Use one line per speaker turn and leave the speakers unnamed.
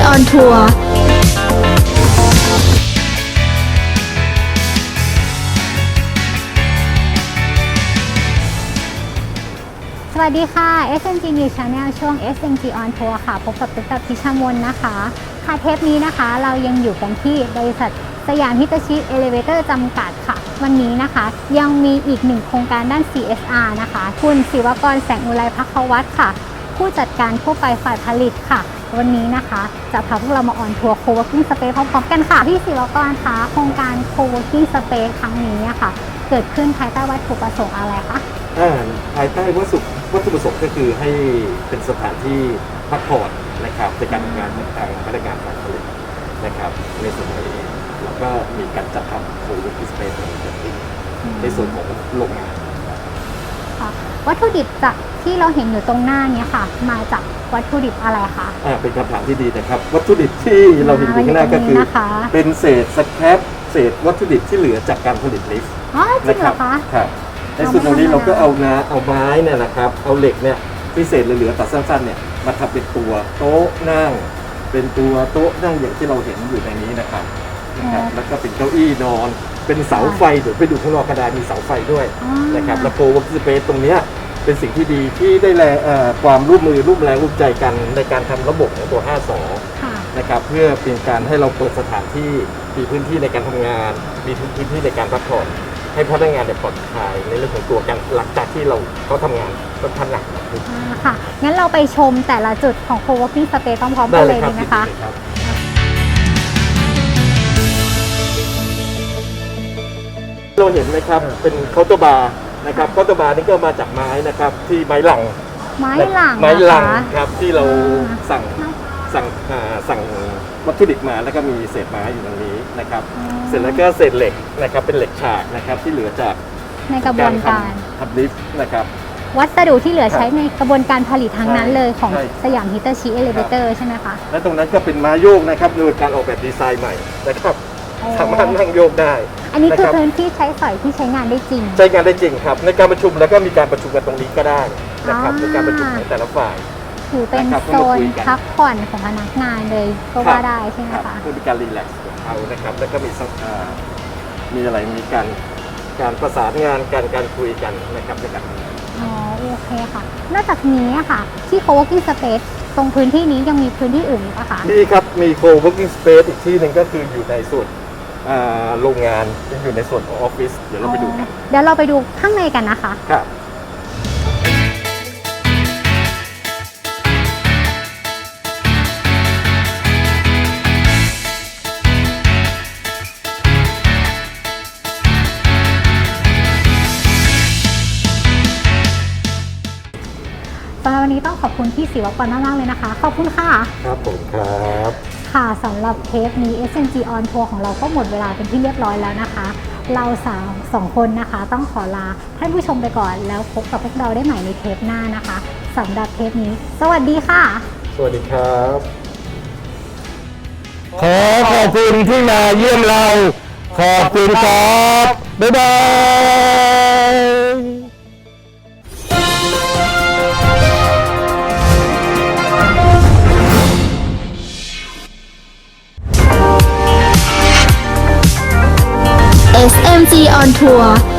on Tour
สวัสดีค่ะ SMG News Channel ช่วง SMG on Tour ค่ะพบกับตุ๊กตาพิชมนนะคะค่ะเทปนี้นะคะเรายังอยู่กันที่บริษัทสยามฮิตาชิเอเลเวเตอร์จำกัดค่ะวันนี้นะคะยังมีอีกหนึ่งโครงการด้าน CSR นะคะคุณศิวกรแสงอุไรภัควัฒน์ค่ะผู้จัดการทั่วไปฝ่ายผลิตค่ะวันนี้นะคะจะพาพวกเรามาออนทัวร์ Co-working Space พร้อมๆกันค่ะพี่ศิวกรคะโครงการ Co-working Space ครั้งนี้ค่ะเกิดขึ้นภายใต้วัตถุประสงค์อะไรคะ
ภายใต้วัตถุประสงค์ก็คือให้เป็นสถานที่พักผ่อนนะครับในการทำงานของทางพนักงานฝ่ายผลิตนะครับในส่วนนี้เราก็มีการจัดทำ Co-working Space ในส่วนของโรงงาน
วัตถุดิบจากที่เราเห็นอยู่ตรงหน้านี้ค่ะมาจากวัตถุดิบอะไรคะ
เป็นคำถามที่ดีนะครับวัตถุดิบที่เราเห็นอยู่ข้างหน้าก็คือเป็นเศษสแครปเศษวัตถุดิบที่เหลือจากการผลิตลิฟต์
นะครับ
ครับในส่วนตรงนี้เราก็เอาไม้เนี่ยนะครับเอาเหล็กเนี่ยพิเศษเหลือๆตัดสั้นๆเนี่ยมาทำเป็นตัวโต๊ะนั่งเป็นตัวโต๊ะนั่งอย่างที่เราเห็นอยู่ในนี้นะครับแล้วก็เป็นเก้าอี้นอนเป็นเสาไฟเดี๋ยวไปดูข้างนอกก็ได้มีเสาไฟด้วยนะครับแล้วCo-working Spaceตรงนี้เป็นสิ่งที่ดีที่ได้ความร่วมมือร่วมแรงร่วมใจกันในการทำระบบของตัว 5 สอนะครับเพื่อเป็นการให้เราเปิดสถานที่มีพื้นที่ในการทำงานมีพื้นที่ในการพักผ่อนให้พนักงานปลอดภัยในเรื่องของตัวกันหลังจากที่เขาทำงานค่อนข้างหนัก
ค่ะงั้นเราไปชมแต่ละจุดของ Co-working Space พร้อมๆกันเลยดีไหมคะ
เราเห็นไหมครับเป็นเคาน์เตอร์บาร์นะครับเคาน์เตอร์บาร์นี่ก็มาจากไม้นะครับที่ไม้หลังครับที่เราสั่งวัตถุดิบมาแล้วก็มีเศษไม้อยู่ตรงนี้นะครับเสร็จแล้วก็เศษเหล็กนะครับเป็นเหล็กฉากนะครับที่เหลือจาก
ในกระบวนการ
ทำลิฟต์นะครับ
วัสดุที่เหลือใช้ในกระบวนการผลิตทั้งนั้นเลยของสยามฮิตาชิเอเลเวเตอร์ใช่ไหมคะ
และตรงนั้นก็เป็นไม้โยกนะครับโดยการออกแบบดีไซน์ใหม่นะครับสามารถนั่งโยกได้
อันนี้คือพื้นที่ใช้สอยที่ใช้งานได้จริง
ใช้งานได้จริงครับในการประชุมแล้วก็มีการประชุมกันตรงนี้ก็ได้นะครับในการประชุมของแต่ละฝ่าย
ถือเป็นโซนพักผ่อนของพนักงานเลยก็ว่าได้ใช่ไหมคะ
เพื่อมีการรีแลกซ์ของเขานะครับแล้วก็มีอะไรมีการประสานงานการคุยกันนะครับในการ
โอเคค่ะนอกจากนี้ค่ะที่ Co-working Space ตรงพื้นที่นี้ยังมีพื้นที่อื่นอีกปะคะ
นี่ครับมี Co-working Space อีกที่หนึ่งก็คืออยู่ในส่วนโรงงานอยู่ในส่วนของออฟฟิศเดี๋ยวเราไปดูกัน
เดี๋ยวเราไปดูข้างในกันนะคะ
ครับ
สำหรับวันนี้ต้องขอบคุณพี่ศิวกรมากๆเลยนะคะขอบคุณค่ะ
ครับผมครับ
ค่ะสำหรับเทปนี้ SMG on Tour ของเราก็หมดเวลาเป็นที่เรียบร้อยแล้วนะคะเราสองคนนะคะต้องขอลาท่านผู้ชมไปก่อนแล้วพบกับพวกเราได้ใหม่ในเทปหน้านะคะสำหรับเทปนี้สวัสดีค่ะ
สวัสดีครับ
ขอบคุณที่มาเยี่ยมเราขอบคุณครับบ๊ายบาย
SMG on Tour